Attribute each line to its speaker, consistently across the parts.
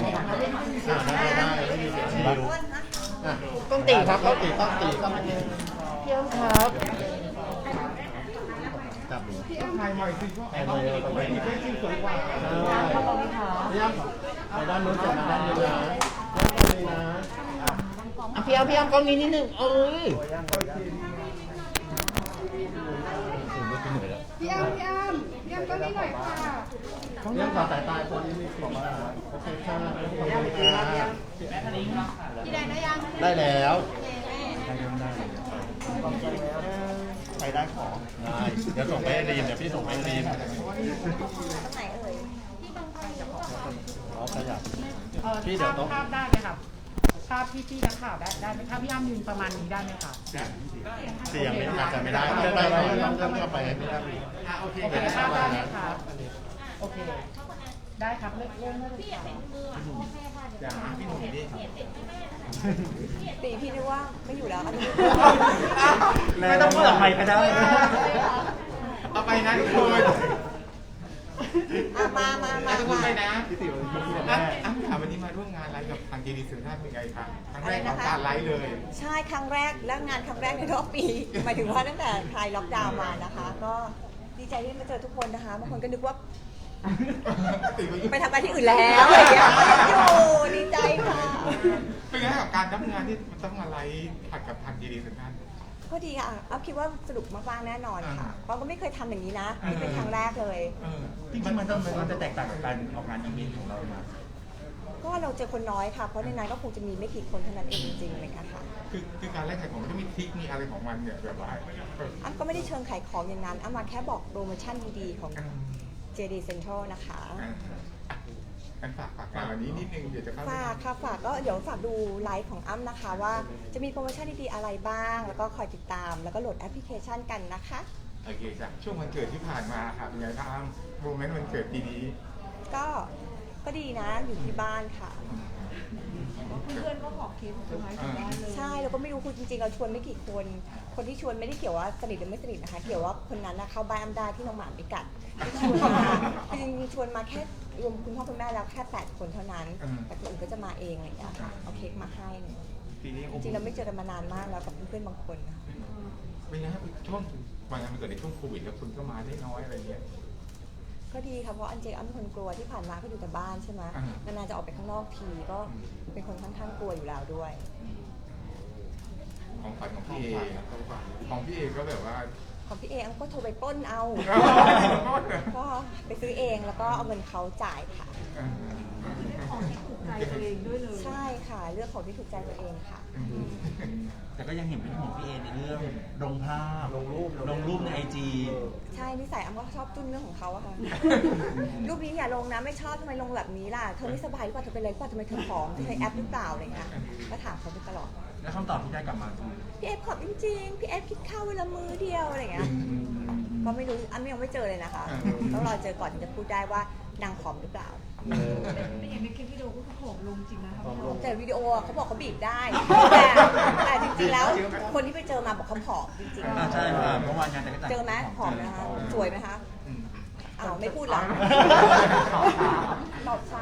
Speaker 1: ไม่มีเสียงชิว
Speaker 2: ต้องตีครับ
Speaker 1: ต้องตี
Speaker 2: พี่อ้ำครับ
Speaker 1: จับหนู
Speaker 3: พี่อ้ำถ่ายใหม่สิว่า
Speaker 1: ไปเลยไป
Speaker 3: ไม่
Speaker 1: เลย
Speaker 3: มีเพลงที่สวยกว่า
Speaker 1: พี่อ้ำไปด้านนู้นจับมาด้านนี้นะด้านนี้นะ
Speaker 2: พี่อ้ำกล้องนี้นิดนึง
Speaker 3: พี่อ้ำก็ไม่หน่อยค่ะ
Speaker 1: เรื่องความสายตาคนนี้มีของมาโอเคค่ะพี่อ้ำพี่แดงได้ยังได้แล้วใครได้ของได้เดี๋ยวส่งไปให้รีมเดี๋ยวพี่ส่งไปให้รีม
Speaker 4: ตรงไหนเอ่ย
Speaker 1: อ๋อขยับพี่เดี๋ยวต้อง
Speaker 5: ภาพได้ไหมครับภาพพี่นักข่าวได้ไหมครับพี่อ้ำยืนประมาณนี้ได้ไหมคะ
Speaker 1: เสียงไม่อาจจะไม่ได้ได้ต้องเข้าไปไม่ได้
Speaker 5: โอเคภาพได้ไหมครับโอเคได้ครับเริ่มได้เลยค่ะ
Speaker 4: ตีพี่นึกว่าไม่อยู่แล้วอันนี้
Speaker 2: ไม่ต้องเปิดไมค์ก็ได้
Speaker 3: เอาไปนะทุกคน
Speaker 4: มา
Speaker 3: ทุกคนไปนะพี่ติ๋วอ้ำถามวันนี้มาร่วมงานไลฟ์กับทางเจดีสื่อท่านเป็นไงครับครั้งแรกของการไลฟ์เลย
Speaker 4: ใช่ครั้งแรกและงานครั้งแรกในรอบปีหมายถึงว่าตั้งแต่คลายล็อกดาวน์มานะคะ ก็ดีใจที่มาเจอทุกคนนะคะบางคนก็นึกว่าไปทำงานที่อื่นแล้วอะไรอย่างเงี้ยอยู่ดีใจค่ะ
Speaker 3: เป็นไงกับการรับงานที่มันต้องมาไลฟ์ผัดกับทางเจดีสื่อท่าน
Speaker 4: ก็ดีค่ะอัพคิดว่าสนุกมากๆแน่นอนค่ะเพราะก็ไม่เคยทำอย่างนี้นะนี่เป็นครั้งแรกเลย
Speaker 2: จริงๆมันจะแตกต่างกับการออกงานอีเวนต์ของเราไหม
Speaker 4: ก็เราเจอคนน้อยค่ะเพราะในนั้นก็คงจะมีไม่กี่คนเท่านั้นเองจริงๆอะไรอย่างเลยค่ะ
Speaker 3: คือการแลกขายของมันจะมีทริคมีอะไรของมันเนี่ยแบบว่า
Speaker 4: อ้ำก็ไม่ได้เชิงขายของอย่างนั้นอ้ำมาแค่บอกโปรโมชั่นดีๆของ JD Central นะคะ
Speaker 3: กันฝากงานวันนี้นิดนึงเดี๋ยวจะเข้า
Speaker 4: ฝากก็เดี๋ยวฝากดูไลฟ์ของอ้ำนะคะว่าจะมีโปรโมชั่นดีๆอะไรบ้าง แล้วก็คอยติดตามแล้วก็โหลดแอปพลิเคชันกันนะคะ
Speaker 3: โอเคจ้ะช่วงวันเกิดที่ผ่านมาค่ะเป็นไงบ้างโมเมนต์วันเกิดปีนี้
Speaker 4: ก็ดีนะอยู่ที่บ้านค่ะ
Speaker 5: เพื่อนก็ขอเค้กเซอร์ไพรส์ถึงบ้านเลย
Speaker 4: ใช่เราก็ไม่รู้คุณจริงๆเราชวนไม่กี่คนคนที่ชวนไม่ได้เกี่ยวว่าสนิทหรือไม่สนิทนะคะเกี่ยวว่าคนนั้นนะเข้าบ้านอ้ำได้ที่น้องหมาไม่กัดที่ชวนมาจริงๆชวนมาแค่รวมคุณพ่อคุณแม่แล้วแค่8 คนเท่านั้นแต่คนอื่นก็จะมาเองอะไรอย่างเงี้ยค่ะเอาเค้กมาให้
Speaker 3: ปีนี้
Speaker 4: จริงๆเราไม่เจอกันมานานมากแล้วกับเพื่อนๆบางคนนะคะ
Speaker 3: เป็นไงครับช่วงวันงานมันเกิดในช่วงโควิดแล้วคุณก็มาได้น้อยอะไรเงี้ย
Speaker 4: ก็ดีค่ะเพราะอันเจอ้ำเป็นคนกลัวที่ผ่านมาก็อยู่แต่บ้านใช่ไหมนานๆจะออกไปข้างนอกทีก็เป็นคนค่อนข้างกลัวอยู่แล้วด้วย
Speaker 3: ของฝันของพี่เอของพี่เอก็แบบว่า
Speaker 4: ของพี่เออ้ำก็โทรไปปล้นเอา ก็ไปซื้อเองแล้วก็เอาเงินเขาจ่ายค่ะ
Speaker 5: ของที่ถูกใจตัวเองด้วยเลย
Speaker 4: ใช่ค่ะเลือกของที่ถูกใจตัวเองค่ะ
Speaker 2: แต่ก็ยังเห็นเป็นของพี่เอในเรื่องลงภาพลงรูปในIG
Speaker 4: ใช่นิสัยอ้ำก็ชอบจุ้นเรื่องของเขาอะค่ะ รูปนี้อย่าลงนะไม่ชอบทำไมลงแบบนี้ล่ะเธอไม่สบายหรือเปล่าเธอเป็นอะไรหรือเปล่าทำไมเธอผอมเธอใช้แอปหรือเปล่าอะไรเงี้ยก็ถามเขาไปตลอด
Speaker 2: แล้วคำตอบที่ได้กลับมาคือ
Speaker 4: พี่เอฟผอมจริงๆพี่เอฟคิดข้าวเวลามื้อเดียวอะไรเงี้ยก็ไม่รู้อ้ำยังไม่เจอเลยนะคะต้องรอเจอก่อนถึงจะพูดได้ว่านางผอมหรือเปล่า
Speaker 5: แต่อย่างในคลิปวิดีโอก็ผอมลงจริงนะครับ
Speaker 4: แต่วิดีโอเขาบอกเขาบีบได้ แต่จริงๆแล้วคนที่ไปเจอมาบอกเขาผอมจริง
Speaker 2: ใช่ค่ะเมื่อวานงานแต่ก็
Speaker 4: ๆ เจอไหมผอมนะคะสวยไหมคะอ้าวไม่พูดหรอตอบช้า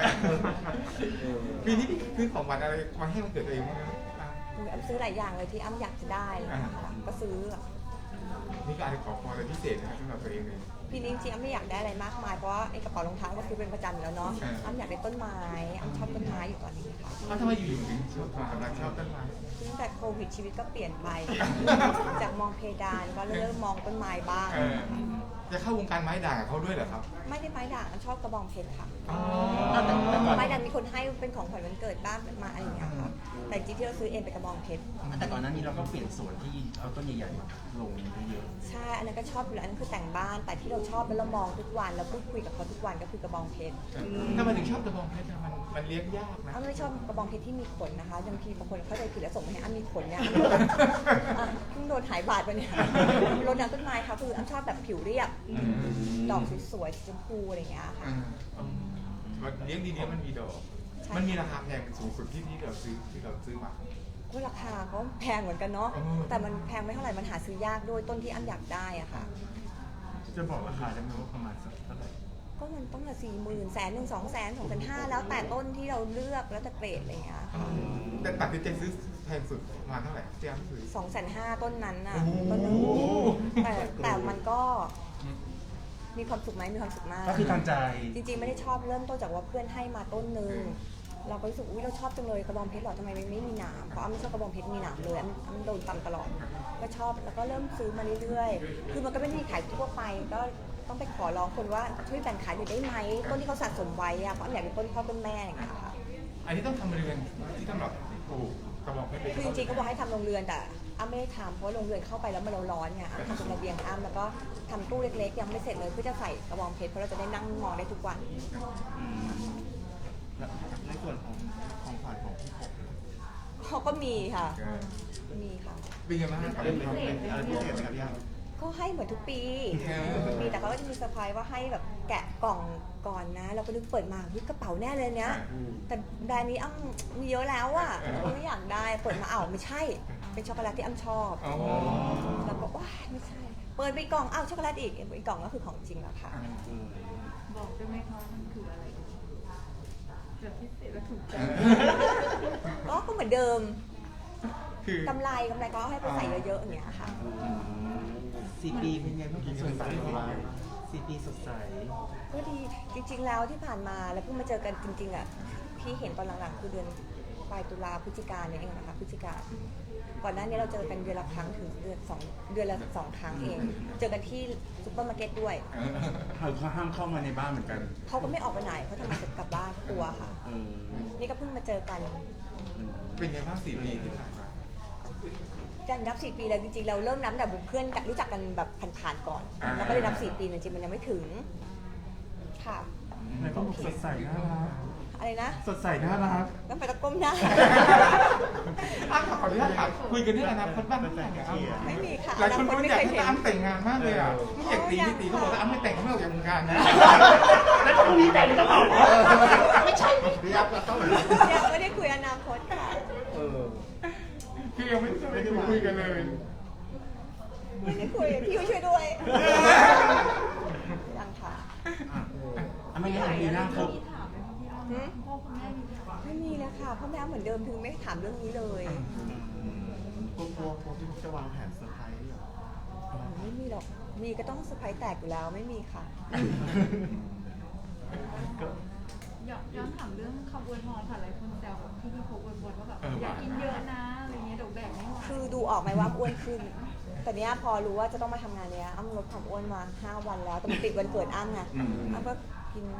Speaker 3: ปีนี้คือของวันอะไรมาให้มันเกิดตัวเองบ้าง
Speaker 4: อ้ำซื้อหลายอย่างเลยที่อ้ำอยากจะได้นะคะก็ซื้อ
Speaker 3: นี่ก็อะไรขอพรอะไรพิเศษนะครับสำหรับตัวเองเลย
Speaker 4: ปีนี้จริงๆอ้ำไม่อยากได้อะไรมากมายเพราะว่าไอ้กระเป๋ารองเท้าก็ซื้อเป็นประจำอยู่แล้วเนาะอ้ำอยากได้ต้นไม้อ้ำชอบต้นไม้อยู่ตอนนี้ค่ะ
Speaker 3: ทำไมอยู่ๆถึงชอบกำลังชอบต้นไม้
Speaker 4: ตั้งแต่โควิดชีวิตก็เปลี่ยนไป จากมองเพดานก็เริ่มมองต้นไม้บ้าง
Speaker 3: จะเข้าวงการไม้ด่างกับเขาด้วยเหรอครับ
Speaker 4: ไม่ได้ไม้ด่างอ้ำชอบกระบองเพชรค่ะ
Speaker 3: อ๋อ
Speaker 4: ไม้ด่างมีคนให้เป็นของขวัญวันเกิดบ้างมาอะไรอย่างเงี้ยค่ะแต่จริงๆที่เราซื้อเองเป็นกระบองเพชร
Speaker 2: แต่ก่อนหน้านี้เราก็เปลี่ยนสวนที่เอาต้นใหญ่ๆมาลงเยอะ
Speaker 4: ใช่อันนั้นก็ชอบอยู่แล้วอันนั้นคือแต่งบ้านแต่ที่เราชอบแล้วเรามองทุกวันแล้วพูดคุยกับเขาทุกวันก็คือกระบองเพชร
Speaker 3: ถ้ามันถึงชอบกระบองเพชรมันเลี้ยงยากนะ
Speaker 4: อ้ำไม่ชอบกระบองเพชรที่มีขนนะคะบางทีบางคนเข้าใจผิดแล้วส่งมาให้อ้ำมีขนเนี่ยเพิ่งโดนหายบาดไปเนี่ยรดน้ำต้นไม้ค่ะคืออ้ำชอบแบบผิวเรียบดอกสวยๆสีชมพูอะไรอย่างเงี้ยค่ะ
Speaker 3: เลี้ยงดีๆมันมีดอกมันมีราคาแพงสูงสุดที่เราซื้อมา
Speaker 4: ก็ราคาก็แพงเหมือนกันเนาะแต่มันแพงไม่เท่าไหร่มันหาซื้อยากด้วยต้นที่อ้ำอยากได้อะค่ะ
Speaker 2: จะบอกราคาได้ไหมว่าประมาณสักเท่าไหร่
Speaker 4: ก็มันต้องละ40,000 100,000 200,000 250,000แล้วแต่ต้นที่เราเลือกแล้วแต่เกรดอะไรอย่างเงี้ยค่ะ
Speaker 3: แต่ตัดสินใจซื้อแพงสุดประมาณเท่าไหร่ที่อ้ำซื้อ
Speaker 4: 250,000ต้นนั้นน่ะ
Speaker 3: โอ้โห
Speaker 4: ต้นนึงแต่มันก็มีความสุขไหมมีความสุขมาก
Speaker 2: ก็คือทางใจ
Speaker 4: จริงๆไม่ได้ชอบเริ่มต้นจากว่าเพื่อนให้มาต้นนึงเราก็รู้สึกอุ้ยเราชอบจังเลยกระบองเพชรหรอทำไมไม่มีหนามเพราะอ้ำไม่ชอบกระบองเพชรมีหนามเลยอ้ำโดนตำตลอดก็ชอบแล้วก็เริ่มซื้อมาเรื่อยๆคือมันก็ไม่ได้มีขายทั่วไปก็ต้องไปขอร้องคนว่าช่วยแบ่งขายหน่อยได้ไหมต้นที่เขาสะสมไว้อะเพราะอ้ำอยากเป็นต้นพ่อต้นแม่อย่างเงี้ยค่ะ
Speaker 3: อันนี้ต้องทำเรือนที่สำหรับปลูกกระบอกเพชร
Speaker 4: คือจริงๆก็บอกให้ทำโรงเรือนแต่อ้ำไม่ได้ทำเพราะโรงเรือนเข้าไปแล้วมันร้อนไงอ้ำทำเป็นระเบียงอ้ำแล้วก็ทำตู้เล็กๆยังไม่เสร็จเลยเพื่อจะใส่กระบองเพชรเพราะเราจะได้นั่งมองได้ทุกวัน
Speaker 1: ในส่วนของขวัญของพี่ผม
Speaker 4: เขาก็มีค่ะมีค่ะ
Speaker 3: เป็นยังไงบ้างครับ
Speaker 1: เป็นอะไรพิเศษไหมครับพี่อ้ำ
Speaker 4: ก็ให้เหมือนทุกปี
Speaker 3: เออ
Speaker 4: ทุกปีแต่เขาก็จะมีเซอร์ไพรส์ว่าให้แบบแกะกล่องก่อนนะ เราก็นึกเปิดมาเฮ้ยกระเป๋าแน่เลยเนี้ยแต่แบรนด์นี้อ้ำมีเยอะแล้วอ่ะไม่อยากได้เปิดมาไม่ใช่เป็นช็อกโกแลตที่อ้ำชอบ
Speaker 3: อ๋อ
Speaker 4: แล้วก็ว้ายไม่ใช่เปิดไปกล่องช็อกโกแลตอีกกล่องก็คือของจริงแล้วค่ะ
Speaker 5: บอกได้ไหมคะมันคืออะไรแบบพิเศษและถูกใจ
Speaker 4: ก็เหมือนเดิม
Speaker 3: คือก
Speaker 4: ำไรก็ให้ไปใส่เยอะๆอย่างเงี้ยค่ะ
Speaker 2: 4 ปีเป็นไงบ้างสดใส4 ปีสดใส
Speaker 4: ก็ดีจริงๆแล้วที่ผ่านมาแล้วเพิ่งมาเจอกันจริงๆอ่ะพี่เห็นตอนหลังๆคือเดือนปลายตุลาพฤศจิกาเนี่ยเองนะคะพฤศจิกาก่อนหน้านี้เราเจอกันเดือนละครั้งถึงเดือนละสองครั้งเอง เจอกันที่ซุปเปอร์มาร์เก็ตด้วย
Speaker 2: เขาห้ามเข้ามาในบ้านเหมือนกัน
Speaker 4: เขาก็ไม่ออกไปไหนเขาทำงานเสร็จกลับบ้านกลัวค่ะ นี่ก็เพิ่งมาเจอกัน
Speaker 3: เป็นยังไงบ้าง4 ปีที่ผ่านมา
Speaker 4: กันนับ4 ปีแล้วจริงๆเราเริ่มนับแต่เพื่อนรู้จักกันแบบผ่านๆก่อนแล้วก็เลยนับ4 ปีจริงๆมันยังไม่ถึงค่ะ
Speaker 2: ในก็บอกสดใสน่ารัก
Speaker 4: อะไรนะ
Speaker 2: สดใสน่ารัก
Speaker 4: ต้องไปตะก้มหน้า
Speaker 3: อ้ำขออนุญาตถามคุยกันเรื่องอนาคตบ้างไหมครับ
Speaker 4: ไม่มีค่ะ
Speaker 3: หลายคน
Speaker 4: อ
Speaker 3: รู้
Speaker 4: ไม่
Speaker 3: อยาก
Speaker 4: เคย
Speaker 3: ให้
Speaker 4: เห็น
Speaker 3: อ้ำแต่งงานมากเลยอ่ะไม่อยากตีที่ตีเขาบอกว่าอ้ำไม่แต่งเขาไม่ออกจากวงการนะ
Speaker 2: แล้วพรุ่งนี้แต่งจะบอกไม่ใช่
Speaker 1: พี่อ้ำเราต้อง
Speaker 4: ยังไม่ได้คุยอนาคตค่ะ
Speaker 3: คือยังไม่ได้คุยกันเลย
Speaker 4: ไม่ได้คุยพี่ช่วยด้วยยังค่ะ
Speaker 2: ไม่งั้นปีหน้าครบ
Speaker 4: หืมไม่มีเลยค่ะพ่อแม่เหมือนเดิมถึงไม่ถามเรื่องนี้เลย
Speaker 1: กลัวพี่ผมจะวางแผนเซอร์ไพรส์เหรอ
Speaker 4: ไม่มีหรอกมีก็ต้องเซอร์ไพรส์แตกอยู่แล้วไม่มีค่ะ
Speaker 5: ย้อนถามเรื่องคำอวยพรค่ะหลายคนแซวที่พี่โพสต์อวยพรว่าแบบอยากกินเยอะนะอะไรเงี้ยเดี๋ยวแบ่งไม่ไหว
Speaker 4: คือดูออกไหมว่าอ้วนขึ้น แต่เนี้ยพอรู้ว่าจะต้องมาทำงานเนี้ยอ้ำลดความอ้วนมา5 วันแล้วแต่มันติดวันเกิดอ้ำไงอ้ำก็กิน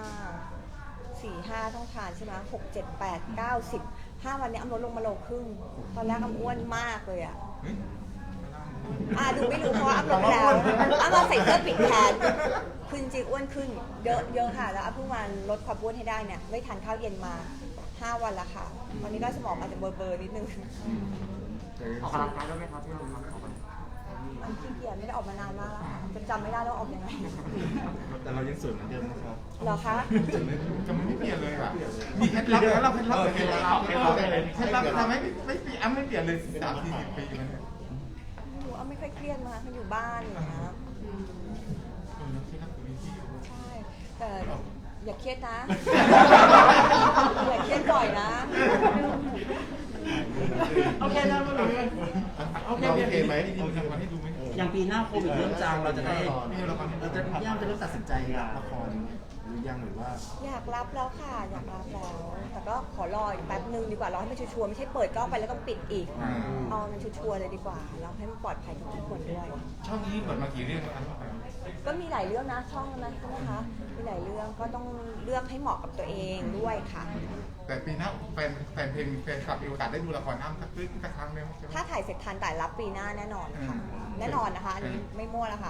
Speaker 4: 4-5ต้องทานใช่ไหม6 7 8 9 10 5 วันเนี้ยอ้ำลดลงมาโลครึ่งตอนแรกอ้ำอ้วนมากเลยอ่ะดูไม่รู้เพราะว่าอ้ำลดไปแล้วอ้ำมาใส่เสื้อปิดแขนคือจริงๆอ้วนขึ้นเยอะค่ะแล้วอ้ำเพิ่งมาลดความอ้วนให้ได้เนี่ยไม่ทานข้าวเย็นมา5 วันแล้วค่ะตอนนี้ก็สมองอาจจะเบลอๆนิดนึง
Speaker 1: ออกกำลังกายด้วยไหมครับพี่อ้ำครับ
Speaker 4: อันขี้เกียจไม่ได้ออกมานานมากแล้วค่ะจนจำไม่ได้แล้วออกยังไง
Speaker 1: แต่เรายังสวยเหมือนเดิมนะครับ
Speaker 4: เหรอคะ
Speaker 3: จะไม่เปลี่ยนเลยอ่ะมีเคล็ดลับแล้วเราเคล็ดลับเคล็ดลับทำให้ไม่เปลี่ยนอ้ำไม่เปลี่ยนเลย30-40 ปีมันเนี่ย
Speaker 4: หนูอ้ำไม่ค่อยเครียดมามันอยู่บ้านอย่างเงี้ย
Speaker 3: เคล็ดลับตรงนี้ที่
Speaker 4: ใช่แต่อย่าเครียดนะ อย่าเครียดบ่อยนะ
Speaker 2: โอเคนะมันเหมือนกัน
Speaker 3: โอเคไหมดีๆทำกันให้ดูไหม
Speaker 2: อย่างปีหน้าโควิดเริ่มจางเราจะได้ย่ามจะเริ่มตัดสินใจ
Speaker 1: รับละครหรือยังหรือว่า
Speaker 4: อยากรับแล้วค่ะอยากรับแล้ว แต่ก็ขอรออีกแป๊บนึงดีกว่ารอให้มันชัวร์ๆไม่ใช่เปิดกล้องไปแล้วก็ปิดอีกเอามันชัวร์ๆเลยดีกว่าแล้วให้มันปลอดภัยกับทุกคนด้วย
Speaker 3: ช่องนี้เปิดมากี่เรื่องแล้วครับ
Speaker 4: ก็มีหลายเรื่องนะช่องนั้นใช่ไหมคะมีหลายเรื่องก็ต้องเลือกให้เหมาะกับตัวเองด้วยค่ะ
Speaker 3: แต่ปีหน้าแฟนเพลงแฟนคลับมีโอกาสได้ดูละครอ้ำสักครั้งได้ไหมใช่ไหม
Speaker 4: ถ้าถ่ายเสร็จทันแต่รับปีหน้าแน่นอนค่ะแน่นอนนะคะอันนี้ไม่มั่วแล้วค่ะ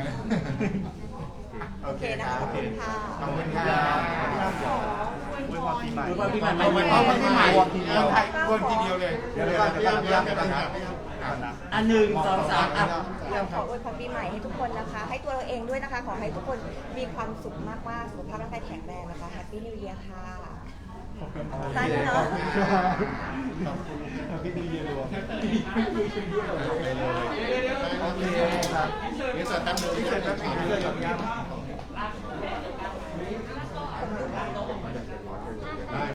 Speaker 4: โอเคนะคะขอบคุณค่ะ
Speaker 3: ขอบคุณค่ะ
Speaker 1: อวยพรปีใหม่
Speaker 2: อวยพรปีใหม่
Speaker 3: เอาไว้พร้อมกันที่ใหม่ไทยวนทีเดียวเลย
Speaker 1: เดี๋ยวก่อนพี่อ้ำนะครับ
Speaker 2: อัน1 2 3อ่ะ
Speaker 4: ขออวยพรปีใหม่ให้ทุกคนนะคะ ให้ตัวเราเองด้วยนะคะ ขอให้ทุกคนมีความสุขมากๆสุขภาพร่างกายแข็งแรงนะคะ Happy New Year ค่ะสั้นเนาะ
Speaker 1: พี่ดีเยรวมโอเคครับนี่ส่วนตั้งมือที่เกิดตั้งปีเกิดกับย่ำ